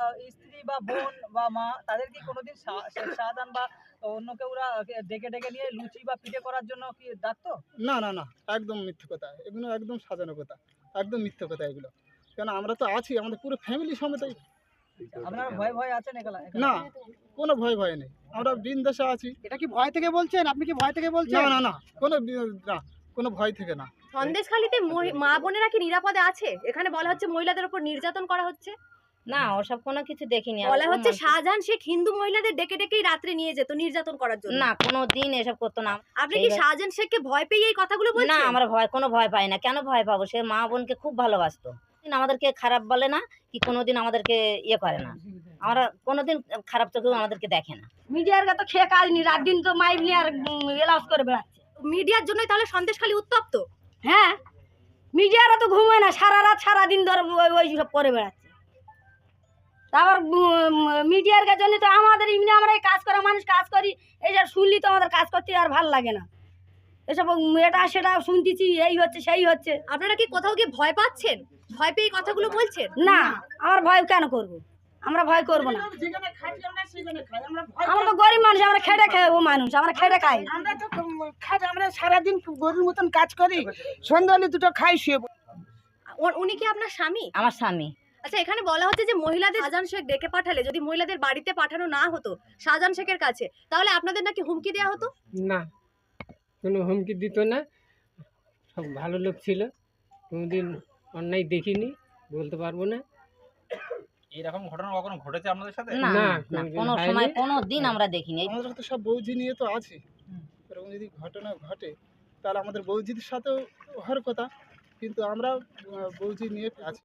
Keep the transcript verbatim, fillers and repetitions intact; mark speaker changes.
Speaker 1: আহ, স্ত্রী বা বোন বা মা তাদের কি কোনোদিন শা- শেখ শাহজাহান বা অন্য কেউ ওরা ডেকে ডেকে নিয়ে লুচি বা পিঠে করার জন্য কি ডাকতো?
Speaker 2: না না না, একদম মিথ্যে কথা, এগুলো একদম সাজানো কথা, একদম মিথ্যে কথা এগুলো। কেন আমরা তো আছি, আমাদের পুরো ফ্যামিলি সমেত।
Speaker 1: আপনারা ভয় ভয় আছেন এখানে?
Speaker 2: না, কোনো ভয় ভয় নেই, আমরা বিন্দাসে আছি।
Speaker 3: এটা কি ভয় থেকে বলছেন? আপনি কি ভয় থেকে
Speaker 2: না
Speaker 3: বলছেন?
Speaker 2: না না, কোনো বি- না, কোনো ভয় থেকে না।
Speaker 4: সন্দেশখালীতে মহি- মা বোনেরা কি নিরাপদে আছে? এখানে বলা হচ্ছে মহিলাদের উপর নির্যাতন করা হচ্ছে।
Speaker 5: না ওসব কোনো কিছু দেখিনি।
Speaker 4: বলা
Speaker 5: আর
Speaker 4: হচ্ছে
Speaker 5: ও মানুষ-
Speaker 4: শাহজাহান শেখ হিন্দু মহিলাদের ডেকে ডেকেই রাত্রে নিয়ে যেত নির্যাতন করার জন্য।
Speaker 5: না কোনো দিন এসব করতো না।
Speaker 4: আপনি কি
Speaker 5: সেই-
Speaker 4: শাহজাহান শেখকে ভয় পেয়ে এই কথাগুলো
Speaker 5: না
Speaker 4: বলছেন?
Speaker 5: আমরা ভয় কোনো ভয় পাই না। কেন ভয় পাবো? সে মা বোনকে খুব ভালোবাসতো। দিন আমাদেরকে খারাপ বলে না, কি কোনোদিন আমাদেরকে ইয়ে করে না। আমরা কোনোদিন খারাপ চোখেও আমাদেরকে দেখে না।
Speaker 6: মিডিয়ার তো খেয়ে কাজ নি, রাত দিন তো মাইক নিয়ে আর এলাউস করে বেড়াচ্ছে।
Speaker 4: মিডিয়ার জন্যই তাহলে সন্দেশখালী উত্তপ্ত।
Speaker 6: হ্যাঁ, মিডিয়ারা তো ঘুমায় না, সারা রাত সারাদিন ধরে ওই ওই সব করে বেড়াচ্ছে। তারপর মিডিয়ার জন্য তো আমাদের এমনি আমরা এই কাজ করা মানুষ কাজ করি, এইসব শুনলি তো আমাদের কাজ করতে আর ভালো লাগে না। এসব এটা সেটা শুনতেছি, এই হচ্ছে সেই হচ্ছে।
Speaker 4: আপনারা কি কোথাও গিয়ে ভয় পাচ্ছেন? ভয় পেয়ে এই কথাগুলো বলছেন?
Speaker 6: না, আমার ভয় কেন করব? আমরা ভয় করব না। আমরা তো গরিব মানুষ, আমরা খেটে খাবো মানুষ, আমরা খেটে খাই।
Speaker 3: আমরা তো খাই, আমরা সারাদিন গরুর মতন কাজ করি, সন্ধ্যা হলে দুটো খাই শুয়ে পড়ি।
Speaker 4: উ- উনি কি আপনার স্বামী?
Speaker 5: আমার স্বামী।
Speaker 4: আচ্ছা, এখানে বলা হচ্ছে যে মহিলাদের শাহজাহান শেখ ডেকে পাঠালে যদি মহিলাদের বাড়িতে পাঠানো না হতো শাহজাহান শেখের কাছে, তাহলে আপনাদের নাকি হুমকি দেওয়া হতো।
Speaker 7: না, কোনো হুমকি দিত না, সব ভালো লোক ছিল, কোনোদিন অন্যায় দেখিনি, বলতে পারবো না।
Speaker 8: এরকম ঘটনা কখনো ঘটেছে আপনাদের সাথে?
Speaker 5: না
Speaker 7: না,
Speaker 5: না, না,
Speaker 7: কোনোদিন
Speaker 5: কোনো
Speaker 7: হয়নি।
Speaker 5: সময় কোনো দিন আমরা দেখিনি। এই
Speaker 2: আমাদের তো সব বৌজি নিয়ে তো আছি, এরকম যদি ঘটনা ঘটে তাহলে আমাদের বৌজিদের সাথেও হওয়ার কথা, কিন্তু আমরা আহ, বৌজি নিয়ে আছি।